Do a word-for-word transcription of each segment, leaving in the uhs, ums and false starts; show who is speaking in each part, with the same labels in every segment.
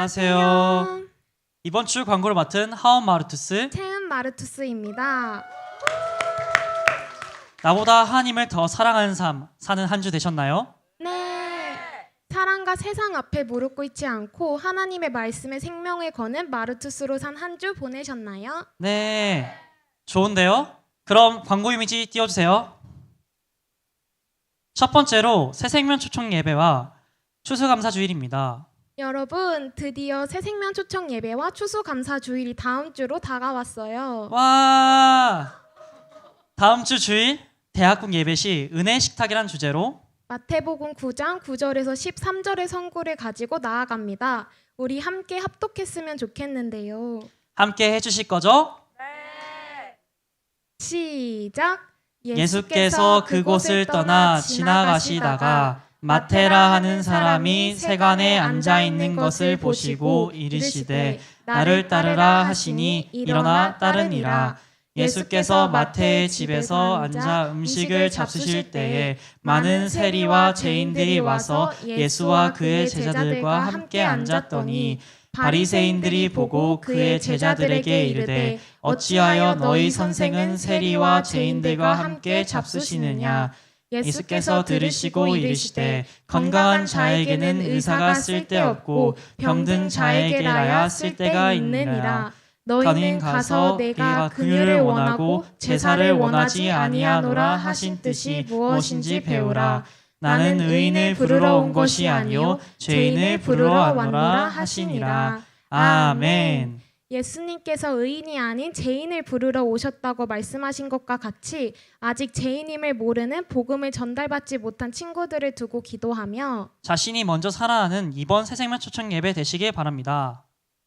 Speaker 1: 안녕하세요. 이번 주 광고를 맡은 하원 마르투스
Speaker 2: 채은 마르투스입니다.
Speaker 1: 나보다 하나님을 더 사랑하는 삶 사는 한 주 되셨나요?
Speaker 2: 네. 사랑과 세상 앞에 무릎 꿇지 않고 하나님의 말씀에 생명을 거는 마르투스로 산 한 주 보내셨나요?
Speaker 1: 네. 좋은데요? 그럼 광고 이미지 띄워주세요. 첫 번째로 새생명 초청 예배와 추수감사주일입니다.
Speaker 2: 여러분, 드디어 새생명 초청 예배와 추수감사 주일이 다음 주로 다가왔어요.
Speaker 1: 와! 다음 주 주일 대학국 예배 시 은혜 식탁이란 주제로
Speaker 2: 마태복음 구 장 구 절에서 십삼 절의 선구를 가지고 나아갑니다. 우리 함께 합독했으면 좋겠는데요.
Speaker 1: 함께 해주실 거죠?
Speaker 2: 시작!
Speaker 1: 예수께서 그곳을 떠나 지나가시다가 마테라 하는 사람이 세간에 앉아 있는 것을 보시고 이르시되 나를 따르라 하시니 일어나 따르니라. 예수께서 마태의 집에서 앉아 음식을 잡수실 때에 많은 세리와 죄인들이 와서 예수와 그의 제자들과 함께 앉았더니 바리새인들이 보고 그의 제자들에게 이르되 어찌하여 너희 선생은 세리와 죄인들과 함께 잡수시느냐. 예수께서 들으시고 이르시되 건강한 자에게는 의사가 쓸데없고 병든 자에게라야 쓸데가 있느니라. 너희는 가서 내가 긍휼을 원하고 제사를 원하지 아니하노라 하신 뜻이 무엇인지 배우라. 나는 의인을 부르러 온 것이 아니요 죄인을 부르러 왔노라 하시니라. 아멘.
Speaker 2: 예수님께서 의인이 아닌 죄인을 부르러 오셨다고 말씀하신 것과 같이 아직 죄인임을 모르는 복음을 전달받지 못한 친구들을 두고 기도하며
Speaker 1: 자신이 먼저 살아나는 이번 새생명 초청 예배 되시길 바랍니다.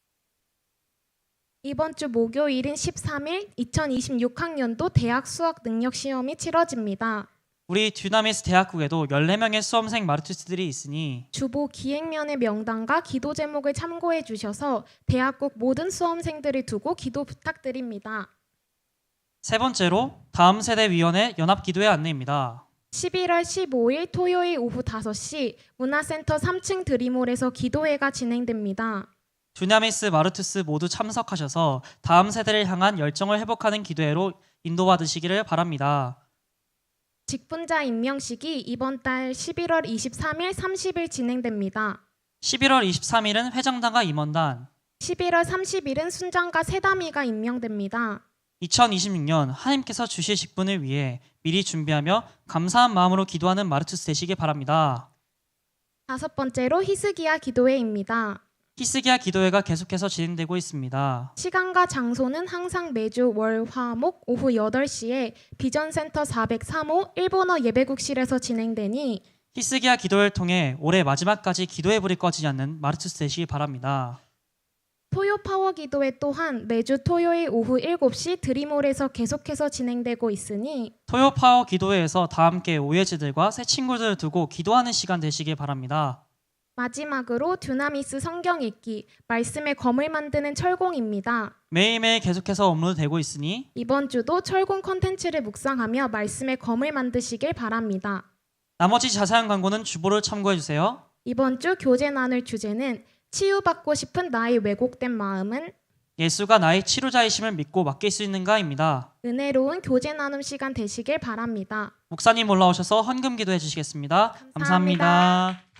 Speaker 2: 이번 주 목요일인 십삼 일 이천이십육 학년도 대학 수학 능력 시험이 치러집니다.
Speaker 1: 우리 듀나미스 대학국에도 열네 명의 수험생 마르투스들이 있으니
Speaker 2: 주보 기획면의 명단과 기도 제목을 참고해 주셔서 대학국 모든 수험생들을 두고 기도 부탁드립니다.
Speaker 1: 세 번째로 다음 세대 위원회 연합 기도회 안내입니다.
Speaker 2: 십일월 십오일 토요일 오후 다섯 시 문화센터 삼 층 드림홀에서 기도회가 진행됩니다.
Speaker 1: 듀나미스 마르투스 모두 참석하셔서 다음 세대를 향한 열정을 회복하는 기도회로 인도받으시기를 바랍니다.
Speaker 2: 직분자 임명식이 이번 달 십일월 이십삼일, 삼십일 진행됩니다.
Speaker 1: 십일월 이십삼일은 회장단과 임원단,
Speaker 2: 십일월 삼십일은 순장과 세담이가 임명됩니다.
Speaker 1: 이천이십육 년 하나님께서 주실 직분을 위해 미리 준비하며 감사한 마음으로 기도하는 마르투스 되시길 바랍니다.
Speaker 2: 다섯 번째로 히스기야 기도회입니다.
Speaker 1: 히스기야 기도회가 계속해서 진행되고 있습니다.
Speaker 2: 시간과 장소는 항상 매주 월, 화, 목 오후 여덟 시에 비전센터 사백삼 호 일본어 예배국실에서 진행되니
Speaker 1: 히스기야 기도회를 통해 올해 마지막까지 기도의 불이 꺼지지 않는 마르투스 되시기 바랍니다.
Speaker 2: 토요 파워 기도회 또한 매주 토요일 오후 일곱 시 드림홀에서 계속해서 진행되고 있으니
Speaker 1: 토요 파워 기도회에서 다 함께 오해지들과 새 친구들을 두고 기도하는 시간 되시길 바랍니다.
Speaker 2: 마지막으로 듀나미스 성경 읽기, 말씀의 검을 만드는 철공입니다.
Speaker 1: 매일매일 계속해서 업로드되고 있으니
Speaker 2: 이번 주도 철공 컨텐츠를 묵상하며 말씀의 검을 만드시길 바랍니다.
Speaker 1: 나머지 자세한 광고는 주보를 참고해주세요.
Speaker 2: 이번 주 교제 나눌 주제는 치유받고 싶은 나의 왜곡된 마음은
Speaker 1: 예수가 나의 치료자이심을 믿고 맡길 수 있는가입니다.
Speaker 2: 은혜로운 교제 나눔 시간 되시길 바랍니다.
Speaker 1: 목사님 올라오셔서 헌금 기도해 주시겠습니다.
Speaker 2: 감사합니다.
Speaker 1: 감사합니다.